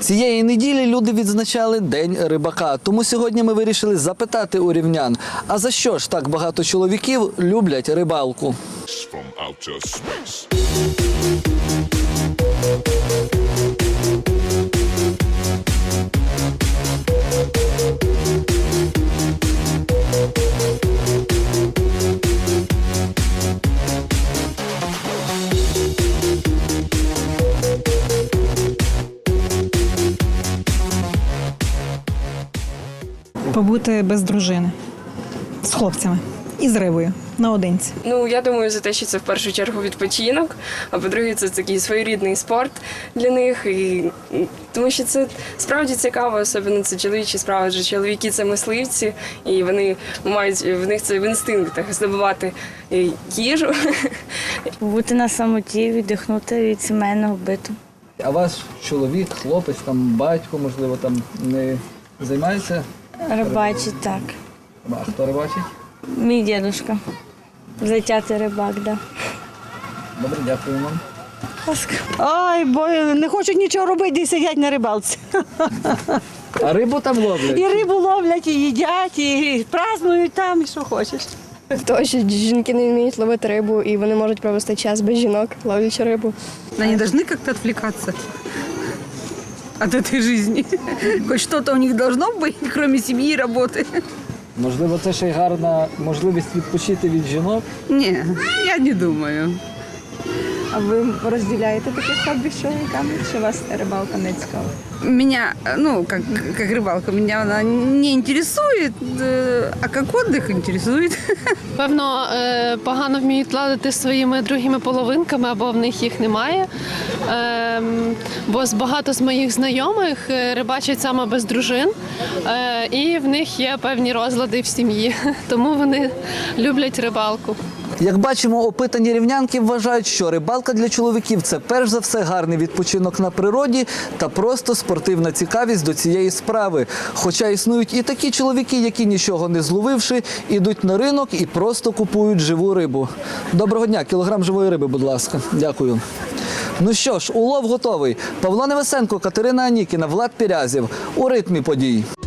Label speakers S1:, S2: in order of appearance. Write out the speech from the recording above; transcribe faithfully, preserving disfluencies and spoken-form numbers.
S1: Цієї неділі люди відзначали День рибака. Тому сьогодні ми вирішили запитати у рівнян, а за що ж так багато чоловіків люблять рибалку?
S2: Побути без дружини, з хлопцями і з рибою наодинці.
S3: Ну, я думаю, за те, що це в першу чергу відпочинок, а по-друге, це такий своєрідний спорт для них. І, тому що це справді цікаво, особливо це чоловічі справи, адже чоловіки – це мисливці, і вони мають, в них це в інстинктах здобувати їжу.
S4: Бути на самоті, віддихнути від сімейного биту.
S1: А ваш чоловік, хлопець, там батько, можливо, там не займається?
S4: Рибачить, так.
S1: А хто рибачить?
S4: Мій дідусь. Затятий рибак, так. Да.
S1: Добре, дякую вам.
S5: Ой, бо не хочуть нічого робити, і сидять на рибалці.
S1: А рибу там ловлять?
S5: І рибу ловлять, і їдять, і празднують там, і що хочеш.
S6: Тому що жінки не вміють ловити рибу, і вони можуть провести час без жінок, ловлячи рибу.
S7: Они должны как-то отвлекаться от этой жизни. Хоть что-то у них должно быть, кроме семьи и работы.
S1: Можливо, це ще й гарна можливість відпочити від жінок?
S7: Не, я не думаю.
S8: А ви розділяєте таке хобі з чоловіками, чи вас рибалка не цікава?
S7: Меня, ну, как, как рыбалка, меня она не интересует, э, а как отдых интересует.
S9: Певно, е, погано вміють ладити зі своїми другими половинками, або в них їх немає. Ем, Бо з багато з моїх знайомих е, рибачать саме без дружин, е, і в них є певні розлади в сім'ї, тому вони люблять рибалку.
S1: Як бачимо, опитані рівнянки вважають, що рибалка для чоловіків – це перш за все гарний відпочинок на природі та просто спортивна цікавість до цієї справи. Хоча існують і такі чоловіки, які, нічого не зловивши, ідуть на ринок і просто купують живу рибу. Доброго дня, кілограм живої риби, будь ласка. Дякую. Ну що ж, улов готовий. Павло Невесенко, Катерина Анікіна, Влад Пірязєв. У ритмі подій.